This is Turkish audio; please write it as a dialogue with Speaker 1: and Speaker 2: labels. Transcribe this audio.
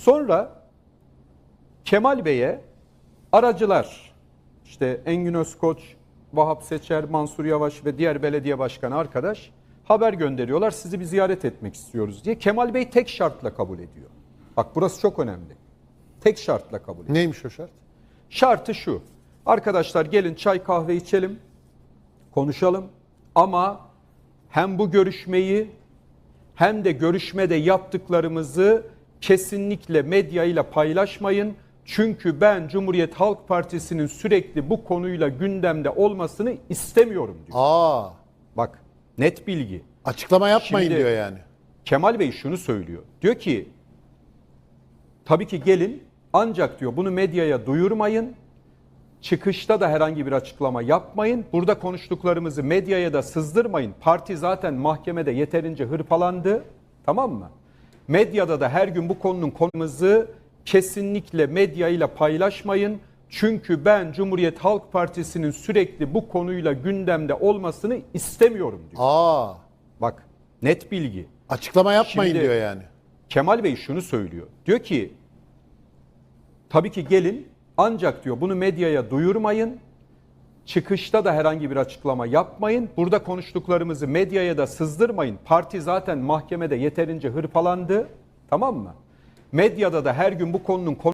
Speaker 1: Sonra Kemal Bey'e aracılar, işte Engin Özkoç, Vahap Seçer, Mansur Yavaş ve diğer belediye başkanı arkadaş haber gönderiyorlar. Sizi bir ziyaret etmek istiyoruz diye. Kemal Bey tek şartla kabul ediyor. Bak burası çok önemli. Tek şartla kabul ediyor.
Speaker 2: Neymiş o şart?
Speaker 1: Şartı şu. Arkadaşlar gelin çay kahve içelim, konuşalım ama hem bu görüşmeyi hem de görüşmede yaptıklarımızı kesinlikle medyayla paylaşmayın. Çünkü ben Cumhuriyet Halk Partisi'nin sürekli bu konuyla gündemde olmasını istemiyorum diyor. Bak net bilgi.
Speaker 2: Açıklama yapmayın
Speaker 1: Şimdi
Speaker 2: diyor yani.
Speaker 1: Kemal Bey şunu söylüyor. Diyor ki tabii ki gelin ancak diyor bunu medyaya duyurmayın. Çıkışta da herhangi bir açıklama yapmayın. Burada konuştuklarımızı medyaya da sızdırmayın. Parti zaten mahkemede yeterince hırpalandı. Tamam mı? Medyada da her gün bu konunun konumuzu kesinlikle medyayla paylaşmayın. Çünkü ben Cumhuriyet Halk Partisi'nin sürekli bu konuyla gündemde olmasını istemiyorum diyor. Bak net bilgi.
Speaker 2: Açıklama yapmayın
Speaker 1: Şimdi
Speaker 2: diyor yani.
Speaker 1: Kemal Bey şunu söylüyor. Diyor ki tabii ki gelin ancak diyor bunu medyaya duyurmayın. Çıkışta da herhangi bir açıklama yapmayın. Burada konuştuklarımızı medyaya da sızdırmayın. Parti zaten mahkemede yeterince hırpalandı. Tamam mı? Medyada da her gün bu konunun